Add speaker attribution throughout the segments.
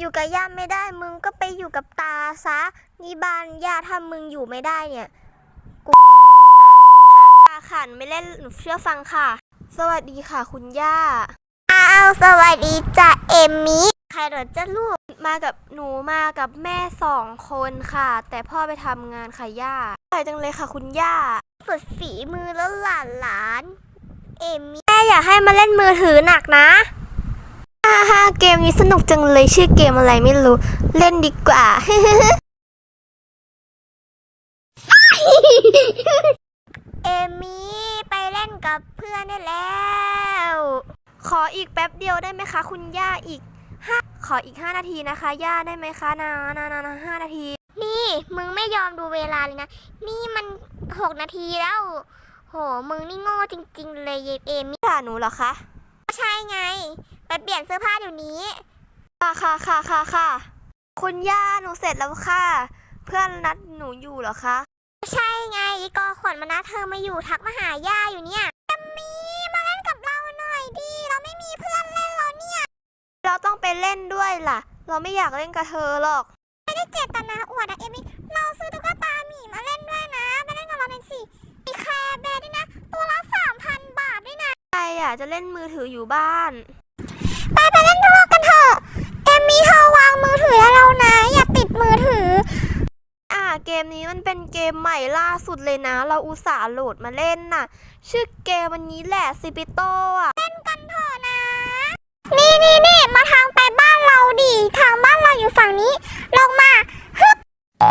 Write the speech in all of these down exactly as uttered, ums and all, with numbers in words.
Speaker 1: อยู่กับย่าไม่ได้มึงก็ไปอยู่กับตาซะนี่บ้านย่าถ้ามึงอยู่ไม่ได้เนี่ยกูขอให้มึงตายค่ะค่ะไม่เล่นหนูเชื่อฟังค่ะสวัสดีค่ะคุณย่าอ้าวสวัสดีจ้ะเอมมี่ใครเหรอจ้าลูกมากับหนูมากับแม่สองคนค่ะแต่พ่อไปทำงานค่ะย่าอร่อยจังเลยค่ะคุณย่าฝึกฝีมือแล้วหลานหลานเอมมี่แม่อยากให้มาเล่นมือถือหนักนะฮ่าฮ่าเกมนี้สนุกจังเลยชื่อเกมอะไรไม่รู้เล่นดีกว่า เอมี่ไปเล่นกับเพื่อนได้แล้วขออีกแป๊บเดียวได้ไหมคะคุณย่าอีกห้าขออีกห้านาทีนะคะย่าได้ไหมคะนานานานาห้านาทีนี่มึงไม่ยอมดูเวลาเลยนะนี่มันหกนาทีแล้วโหมึงนี่โง่จริงๆเลยเอมี่ด่าหนูเหรอคะใช่ไงไปเปลี่ยนเสื้อผ้าเดี๋ยวนี้ค่ะค่ะค่ะค่ะค่ะคุณย่าหนูเสร็จแล้วค่ะเพื่อนนัดหนูอยู่เหรอคะใช่ไงอีกอขวัญมานะเธอมาอยู่ทักมาหาย่าอยู่เนี่ยแอมมี่มาเล่นกับเราหน่อยดิเราไม่มีเพื่อนเล่นแล้วเนี่ยเราต้องไปเล่นด้วยล่ะเราไม่อยากเล่นกับเธอหรอกไม่ได้เจตนาอวดนะเอมี่เราซื้อตุ๊กตาหมีมาเล่นด้วยนะมาเล่นกับเราเป็นสิมีแคร์แบร์ด้วยนะตัวละสามพันบาทด้วยนะใครอ่ะจะเล่นมือถืออยู่บ้านไปไปเล่นด้วยกันเถอะเอมี่เธอวางมือถือแล้วนะอย่าติดมือถืออ่าเกมนี้มันเป็นเกมใหม่ล่าสุดเลยนะเราอุตส่าห์โหลดมาเล่นน่ะชื่อเกมวันนี้แหละซิปิโตอ่ะเล่นกันเถอะนะนี่นี่นี่มาทางไปบ้านเราดิทางบ้านเราอยู่ฝั่งนี้ลงมาฮึบ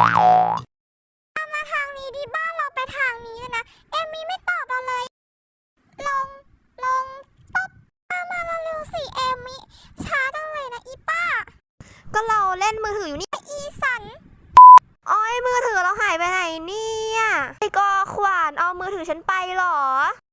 Speaker 1: มาทางนี้ดิบ้านเราไปทางนี้เลยนะเอมี่ไม่ตอบเราเลยลงลงต๊บมาเร็วๆสิเอมี่ช้าจังเลยนะอีป้าก็เราเล่นมือถืออยู่นี่อีสันอ้อยมือถือเราหายไปไหนเนี่ยไอ้กอขวานเอามือถือฉันไปหรอ